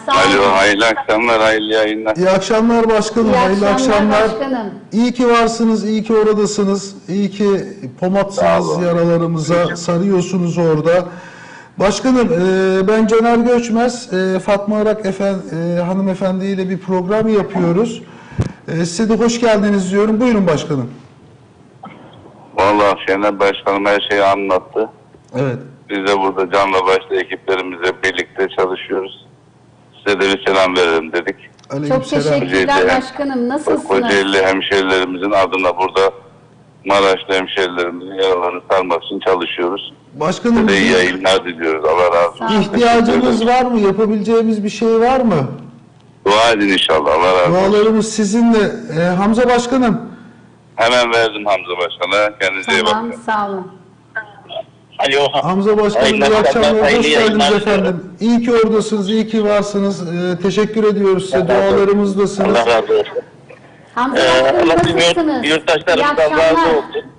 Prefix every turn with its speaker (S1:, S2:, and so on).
S1: Sağ olun.
S2: Alo, hayırlı akşamlar, hayırlı yayınlar.
S3: İyi akşamlar başkanım,
S1: İyi
S3: hayırlı akşamlar.
S1: başkanım.
S3: İyi ki varsınız, iyi ki oradasınız. İyi ki pomatsınız, yaralarımıza sarıyorsunuz orada. Başkanım, ben Caner Göçmez, Fatma Arak hanımefendiyle bir program yapıyoruz. Size de hoş geldiniz diyorum. Buyurun başkanım.
S2: Vallahi Şener Başkanım her şeyi anlattı.
S3: Evet.
S2: Biz de burada canla başla ekiplerimizle birlikte çalışıyoruz. Size de bir selam verelim dedik.
S1: Çok teşekkürler başkanım. Nasılsınız?
S2: Kocaeli hemşerilerimizin adına burada Maraşlı hemşerilerimizin yaralarını sarmak için çalışıyoruz.
S3: Başkanım,
S2: Size de iyi yayınlar diliyoruz. Allah razı olsun.
S3: ihtiyacınız var mı? Yapabileceğimiz bir şey var mı?
S2: Dua edin inşallah. Allah razı olsun.
S3: Dualarımız sizinle. Hamza başkanım.
S2: Hemen verdim Hamza Başkan'a. Kendinize iyi
S1: Tamam,
S2: bakın.
S1: sağ olun.
S4: Alo.
S3: Hamza başkanım, iyi akşamlar. Hoş geldiniz efendim. İyi ki oradasınız, iyi ki varsınız. Teşekkür ediyoruz size. Dualarımızdasınız.
S4: Allah razı olsun.
S1: Hamza başkanım nasılsınız? İyi
S4: Yurttaşlarımızdan razı
S1: akşamlar.
S4: olsun.